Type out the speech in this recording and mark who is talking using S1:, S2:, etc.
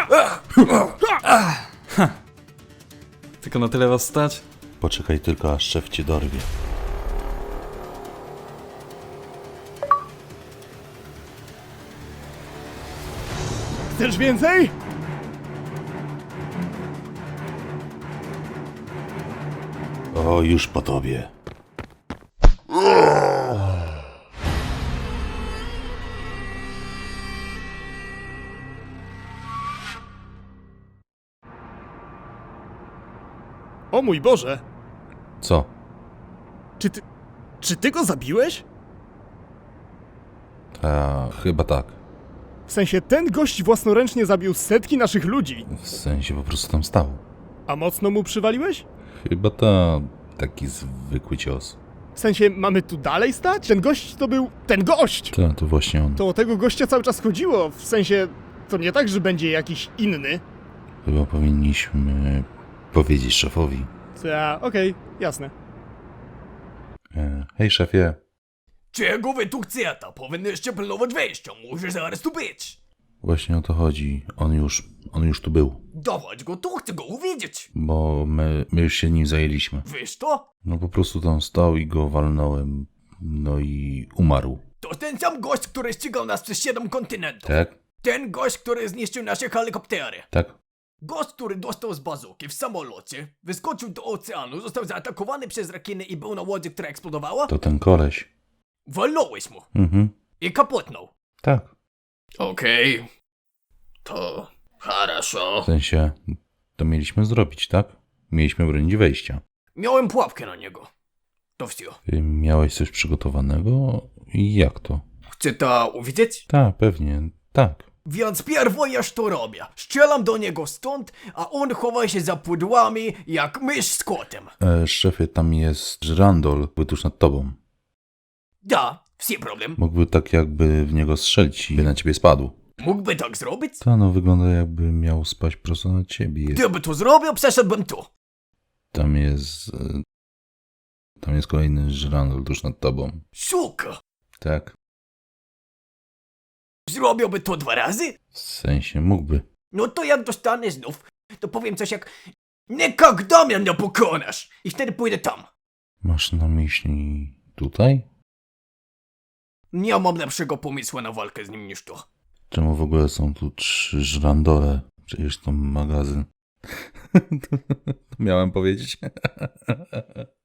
S1: Tylko na tyle was stać?
S2: Poczekaj tylko, aż szef cię dorwie.
S3: Chcesz więcej?
S2: O, już po tobie.
S3: O mój Boże!
S2: Co?
S3: Czy ty go zabiłeś?
S2: Chyba tak.
S3: W sensie, ten gość własnoręcznie zabił setki naszych ludzi.
S2: W sensie po prostu tam stał.
S3: A mocno mu przywaliłeś?
S2: Chyba taki zwykły cios.
S3: W sensie, mamy tu dalej stać? Ten gość to był... ten gość!
S2: To właśnie on.
S3: To o tego gościa cały czas chodziło. W sensie, to nie tak, że będzie jakiś inny.
S2: Chyba powinniśmy powiedzieć szefowi.
S3: Okej, jasne.
S2: Hej szefie.
S4: Czego wy tu chcecie? Powinnyście pilnować wejścia, może zaraz tu być.
S2: Właśnie o to chodzi. On już tu był.
S4: Dawać go tu, chcę go uwidzieć.
S2: Bo my już się nim zajęliśmy.
S4: Wiesz to?
S2: No po prostu tam stał i go walnąłem. No i umarł.
S4: To ten sam gość, który ścigał nas przez 7 kontynentów.
S2: Tak?
S4: Ten gość, który zniszczył nasze helikoptery.
S2: Tak?
S4: Gość, który dostał z bazuki w samolocie, wyskoczył do oceanu, został zaatakowany przez rekiny i był na łodzi, która eksplodowała.
S2: To ten koleś.
S4: Walnąłeś mu
S2: Mhm.
S4: i kapotnął.
S2: Tak.
S4: Okej. To... хорошо.
S2: W sensie, to mieliśmy zrobić, tak? Mieliśmy bronić wejścia.
S4: Miałem pułapkę na niego. To wszystko.
S2: Ty miałeś coś przygotowanego? I jak to?
S4: Chcę to uwidzieć?
S2: Tak, pewnie, tak.
S4: Więc pierwo ja to robię. Strzelam do niego stąd, a on chowa się za pudłami jak mysz z kotem.
S2: Szefie, tam jest żyrandol, był tuż nad tobą.
S4: Da, wsi problem.
S2: Mógłby tak jakby w niego strzelić i by na ciebie spadł.
S4: Mógłby tak zrobić?
S2: No wygląda jakby miał spaść prosto na ciebie.
S4: Gdyby to zrobił, przeszedłbym tu.
S2: Tam jest kolejny żyrandol tuż nad tobą.
S4: Suka.
S2: Tak?
S4: Zrobiłby to 2 razy?
S2: W sensie, mógłby.
S4: No to jak dostanę znów, to powiem coś jak "Никогда mnie nie pokonasz" i wtedy pójdę tam.
S2: Masz na myśli tutaj?
S4: Nie mam lepszego pomysłu na walkę z nim niż to.
S2: Czemu w ogóle są tu 3 żyrandole? Przecież to magazyn. To miałem powiedzieć.